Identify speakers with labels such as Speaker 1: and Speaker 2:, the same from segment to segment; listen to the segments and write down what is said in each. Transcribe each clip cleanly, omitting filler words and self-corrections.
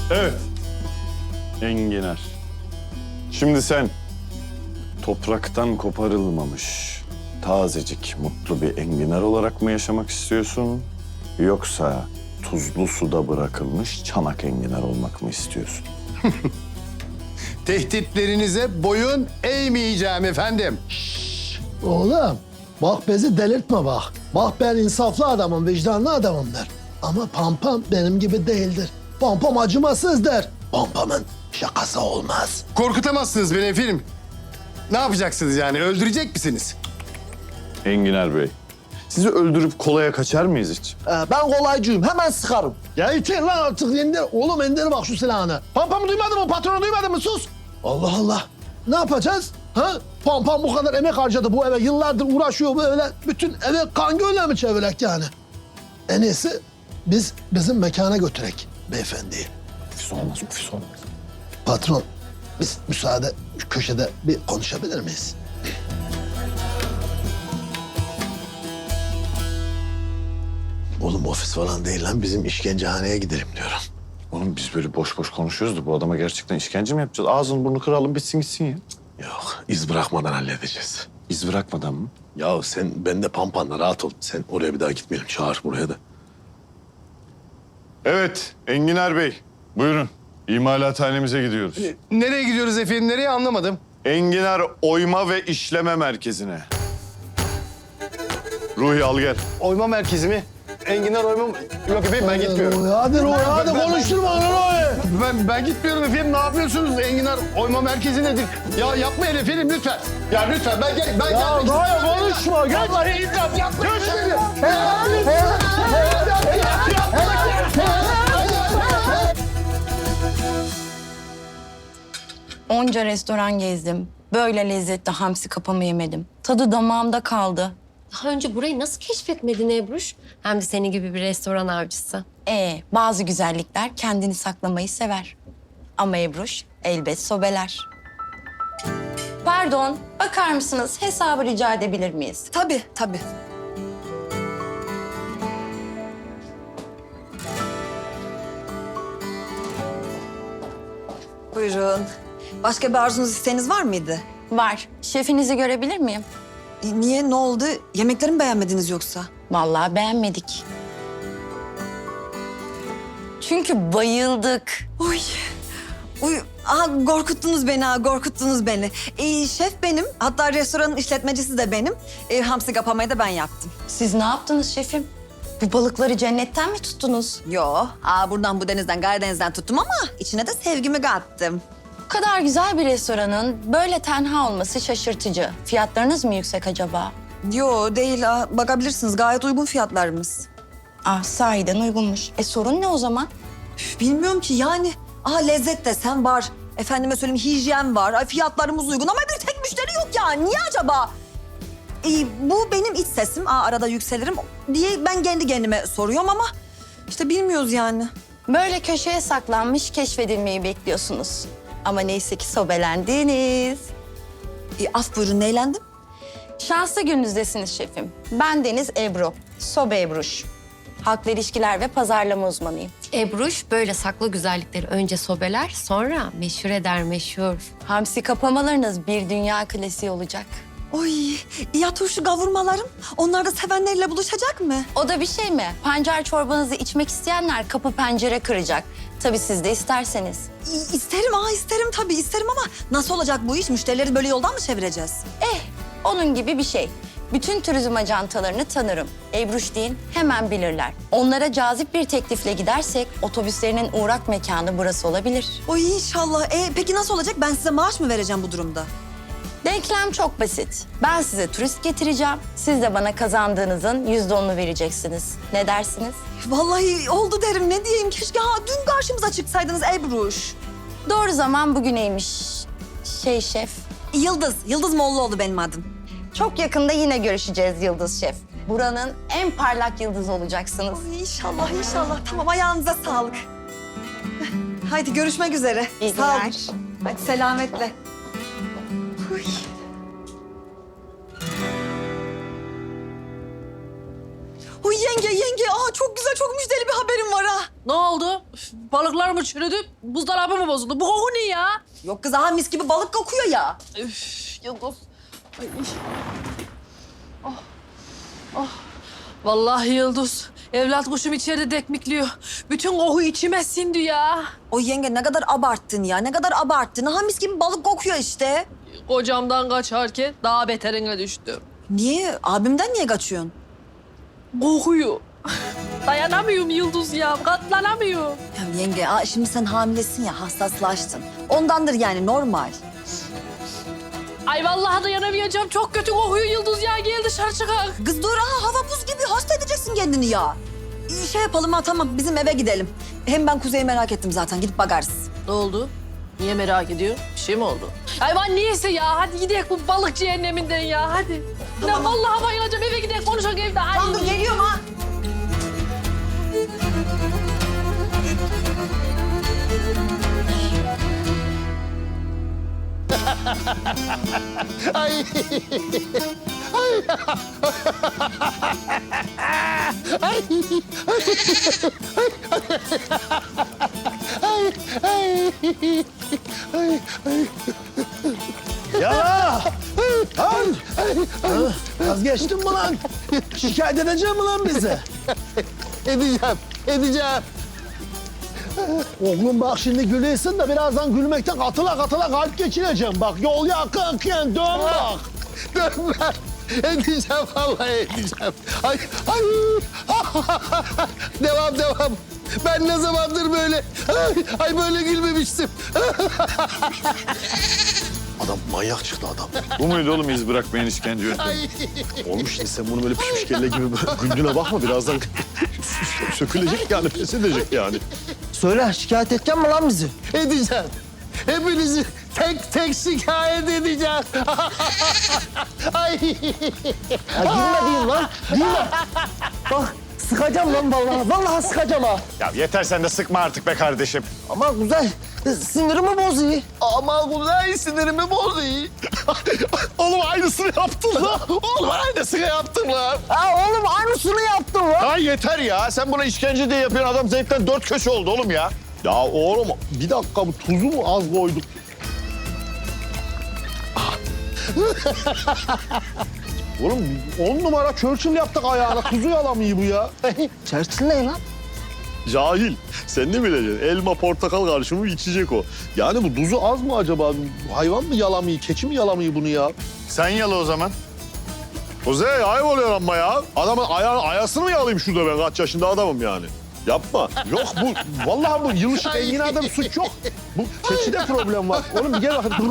Speaker 1: Evet. Enginar. Şimdi sen topraktan koparılmamış, tazecik, mutlu bir enginar olarak mı yaşamak istiyorsun? Yoksa tuzlu suda bırakılmış çanak enginar olmak mı istiyorsun?
Speaker 2: Tehditlerinize boyun eğmeyeceğim efendim.
Speaker 3: Oğlum bak bizi delirtme bak. Bak ben insaflı adamım, vicdanlı adamım der. Ama Pampam benim gibi değildir. Pampam acımasızdır. Pampamın şakası olmaz.
Speaker 2: Korkutamazsınız beni efendim. Ne yapacaksınız yani? Öldürecek misiniz?
Speaker 1: Enginar Bey, sizi öldürüp kolaya kaçar mıyız hiç?
Speaker 3: Ben kolaycıyım, hemen sıkarım. Ya yeter lan artık indir. Oğlum indir bak şu silahını. Pampamı duymadın mı, patronu duymadın mı? Sus. Allah Allah. Ne yapacağız? Ha? Pampam bu kadar emek harcadı bu eve. Yıllardır uğraşıyor böyle. Bütün eve kan gölüne mi çevirek yani? En iyisi biz bizim mekana götürek beyefendiyi.
Speaker 1: Ofis olmaz, ofis olmaz.
Speaker 3: Patron, biz müsaade şu köşede bir konuşabilir miyiz? Oğlum ofis falan değil lan. Bizim işkencehaneye gidelim diyorum.
Speaker 1: Oğlum biz böyle boş boş konuşuyoruz da bu adama gerçekten işkence mi yapacağız? Ağzını burnunu kıralım bitsin gitsin ya.
Speaker 3: Yok, iz bırakmadan halledeceğiz.
Speaker 1: İz bırakmadan mı?
Speaker 3: Ya sen bende Pampan'la rahat ol. Sen oraya bir daha gitmeyelim. Çağır buraya da.
Speaker 1: Evet, Enginar Bey. Buyurun. İmalathanemize gidiyoruz.
Speaker 2: Nereye gidiyoruz efendim? Nereye anlamadım.
Speaker 1: Enginar Oyma ve İşleme Merkezi'ne. Ruhi al gel.
Speaker 2: Oyma merkezi mi? Enginar oyma... Yok efendim ben gitmiyorum.
Speaker 3: Hadi Roy, hadi konuşturma onu Roy.
Speaker 2: Ben gitmiyorum efendim. Ne yapıyorsunuz? Enginar oyma merkezi nedir? Ya yapmayın efendim lütfen. Ya lütfen ben
Speaker 3: Ya
Speaker 2: gelmek
Speaker 3: Roy konuşma. Geç.
Speaker 2: Vallahi imdat yapmayın.
Speaker 4: Onca restoran gezdim. Böyle lezzetli hamsi kapamı yemedim. Tadı damağımda kaldı.
Speaker 5: Daha önce burayı nasıl keşfetmedin Ebruş? Hem de senin gibi bir restoran avcısı.
Speaker 4: Bazı güzellikler kendini saklamayı sever. Ama Ebruş elbet sobeler. Pardon, bakar mısınız? Hesabı rica edebilir miyiz?
Speaker 6: Tabii, tabii. Buyurun. Başka bir arzunuz, isteğiniz var mıydı?
Speaker 4: Var. Şefinizi görebilir miyim?
Speaker 6: Niye, ne oldu? Yemekleri mi beğenmediniz yoksa?
Speaker 4: Vallahi beğenmedik. Çünkü bayıldık.
Speaker 6: Uy, uy. Korkuttunuz beni ha, korkuttunuz beni. Şef benim, hatta restoranın işletmecisi de benim. Hamsi kapamayı da ben yaptım.
Speaker 4: Siz ne yaptınız şefim? Bu balıkları cennetten mi tuttunuz?
Speaker 6: Yo, buradan bu denizden, Karadeniz'den tuttum ama içine de sevgimi kattım.
Speaker 4: Bu kadar güzel bir restoranın böyle tenha olması şaşırtıcı. Fiyatlarınız mı yüksek acaba?
Speaker 6: Yo, değil. Bakabilirsiniz, gayet uygun fiyatlarımız.
Speaker 4: Sahiden uygunmuş. Sorun ne o zaman?
Speaker 6: Bilmiyorum ki yani. Lezzet desen var. Efendime söyleyeyim hijyen var. Fiyatlarımız uygun ama bir tek müşteri yok ya. Niye acaba? Bu benim iç sesim. Arada yükselirim diye ben kendi kendime soruyorum ama işte bilmiyoruz yani.
Speaker 4: Böyle köşeye saklanmış keşfedilmeyi bekliyorsunuz. Ama neyse ki sobelendiniz.
Speaker 6: Af buyurun, neylendim?
Speaker 4: Şanslı gününüzdesiniz şefim. Ben Deniz Ebru, Sobe Ebruş. Halkla ilişkiler ve pazarlama uzmanıyım.
Speaker 5: Ebruş böyle saklı güzellikleri önce sobeler, sonra meşhur eder meşhur.
Speaker 4: Hamsi kapamalarınız bir dünya klasiği olacak.
Speaker 6: Oy, ya turşu kavurmalarım? Onlar da sevenleriyle buluşacak mı?
Speaker 4: O da bir şey mi? Pancar çorbanızı içmek isteyenler kapı pencere kıracak. Tabii siz de isterseniz.
Speaker 6: İsterim, isterim tabii isterim ama nasıl olacak bu iş? Müşterileri böyle yoldan mı çevireceğiz?
Speaker 4: Onun gibi bir şey. Bütün turizm ajantalarını tanırım. Ebruş deyin hemen bilirler. Onlara cazip bir teklifle gidersek otobüslerinin uğrak mekanı burası olabilir.
Speaker 6: Oy inşallah. Peki nasıl olacak? Ben size maaş mı vereceğim bu durumda?
Speaker 4: Denklem çok basit. Ben size turist getireceğim. Siz de bana kazandığınızın %10'unu vereceksiniz. Ne dersiniz?
Speaker 6: Vallahi oldu derim. Ne diyeyim? Keşke dün karşımıza çıksaydınız Ebruş.
Speaker 4: Doğru zaman bugüneymiş. Şef.
Speaker 6: Yıldız. Yıldız Mollaoğlu benim adım.
Speaker 4: Çok yakında yine görüşeceğiz Yıldız Şef. Buranın en parlak yıldızı olacaksınız.
Speaker 6: İnşallah, inşallah. Tamam, ayağınıza sağlık. Haydi görüşmek üzere.
Speaker 4: İyi
Speaker 6: Sağ olun.
Speaker 4: günler.
Speaker 6: Hadi selametle. Uy. Uy yenge. Çok güzel, çok müjdeli bir haberim var ha.
Speaker 7: Ne oldu? Üf, Balıklar mı çürüdü, buzdolabı mı bozuldu? Bu koku ne ya?
Speaker 6: Yok kız aha mis gibi balık kokuyor ya.
Speaker 7: Üf, Yıldız. Ay. Vallahi Yıldız, evlat kuşum içeride dekmikliyor. Bütün koku içime sindi ya.
Speaker 6: O yenge ne kadar abarttın ya, ne kadar abarttın. Aha mis gibi balık kokuyor işte.
Speaker 7: Kocamdan kaçarken daha beterine düştüm.
Speaker 6: Niye? Abimden niye kaçıyorsun?
Speaker 7: Kokuyor. Dayanamıyorum Yıldız ya, katlanamıyorum.
Speaker 6: Ya yenge, şimdi sen hamilesin ya, hassaslaştın. Ondandır yani, normal.
Speaker 7: Ay vallahi dayanamayacağım, çok kötü kokuyor Yıldız ya. Gel dışarı çıkak.
Speaker 6: Kız dur, hava buz gibi, hasta edeceksin kendini ya. Şey yapalım tamam, bizim eve gidelim. Hem ben Kuzey'i merak ettim zaten, gidip bakarız.
Speaker 7: Ne oldu? Niye merak ediyor? Bir şey mi oldu? Ay ben niyeyse ya. Hadi gidelim bu balık cehenneminden ya. Hadi. Ya vallahi bayılacağım. Eve gidelim konuşalım evde. Ay.
Speaker 6: Tamam dur, geliyorum ha.
Speaker 3: Ya! Lan! Vazgeçtin mi lan? Şikayet edeceğim mi lan bizi?
Speaker 2: Edeceğim.
Speaker 3: Oğlum bak şimdi gülüyorsun da birazdan gülmekten katıla kalp geçireceğim. Bak yol yakınken dön bak.
Speaker 2: Dönmem. Edeceğim vallahi edeceğim. Ay. Devam. Ben ne zamandır böyle, ay böyle gülmemiştim.
Speaker 3: Adam manyak çıktı adam.
Speaker 1: Bu muydu oğlum iz bırakmayan işkence yöntemi?
Speaker 3: Oğlum şimdi sen bunu böyle pişmiş kelle gibi güldüğüne bakma birazdan sökülecek yani pes edecek yani. Söyle şikayet edeceksin mi lan bizi?
Speaker 2: Edeceğim. Hepinizi tek şikayet edeceğim. Ay.
Speaker 3: Ya gülme diyeyim lan. Gülme. Bak sıkacağım lan vallahi. Vallahi sıkacağım ha.
Speaker 1: Ya yeter sen de sıkma artık be kardeşim.
Speaker 3: Ama güzel. Sinirimi bozuyor.
Speaker 2: Ama Kuzey sinirimi bozdu. Oğlum aynısını yaptın lan. Oğlum aynısını yaptın lan.
Speaker 3: Ha oğlum aynısını yaptın lan.
Speaker 1: Ha yeter ya. Sen buna işkence diye yapıyorsun. Adam zevkten 4 köşe oldu oğlum ya.
Speaker 3: Ya oğlum bir dakika bu tuzu mu az koyduk? Oğlum 10 numara Churchill yaptık ayağına. Tuzu yalamıyor bu ya. Churchill ne lan?
Speaker 8: Cahil. Sen ne bileceksin? Elma, portakal karışımı içecek o. Yani bu tuzu az mı acaba? Hayvan mı yalamıyor, keçi mi yalamıyor bunu ya?
Speaker 1: Sen yala o zaman.
Speaker 8: Kuzey ayıp oluyor ama ya. Adamın ayasını mı yalayayım şurada ben? Kaç yaşında adamım yani. Yapma.
Speaker 3: Yok bu vallahi bu yılışık enginarda bir suç yok. Bu keçide problem var. Oğlum bir gel bakayım.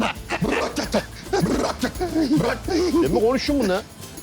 Speaker 3: Ben mi konuşayım bununla?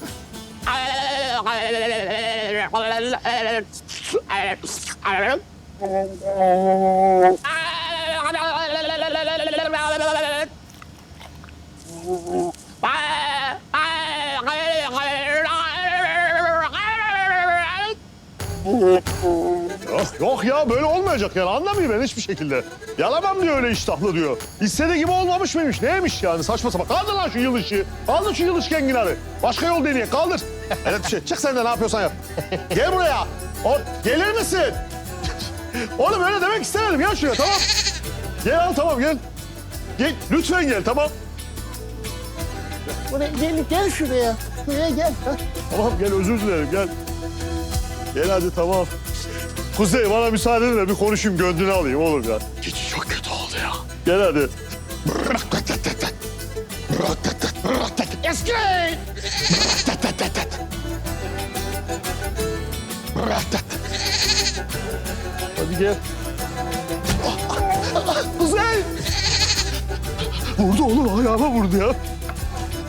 Speaker 8: Yok ya böyle olmayacak yani anlamıyor ben hiçbir şekilde. Yalamam diyor öyle iştahlı diyor. İstediği gibi olmamış mıymış neymiş yani saçma sapan. Kaldır lan şu yıl ışığı. Kaldır şu yıl ışık enginarı. Başka yol deneye kaldır. Evet bir şey çık sen de ne yapıyorsan yap. Gel buraya. Gelir misin? Oğlum öyle demek istemedim ya şuraya tamam. Gel al tamam gel. Gel lütfen gel tamam.
Speaker 3: Buraya gel şuraya. Şuraya gel.
Speaker 8: Tamam gel özür dilerim gel. Gel hadi tamam. Kuzey bana müsaade edin de bir konuşayım gönlünü alayım olur ya.
Speaker 3: Keçi çok kötü oldu ya.
Speaker 8: Gel hadi.
Speaker 2: Eski.
Speaker 8: Hadi gel.
Speaker 2: Kuzey.
Speaker 8: Vurdu oğlum ayağıma vurdu ya.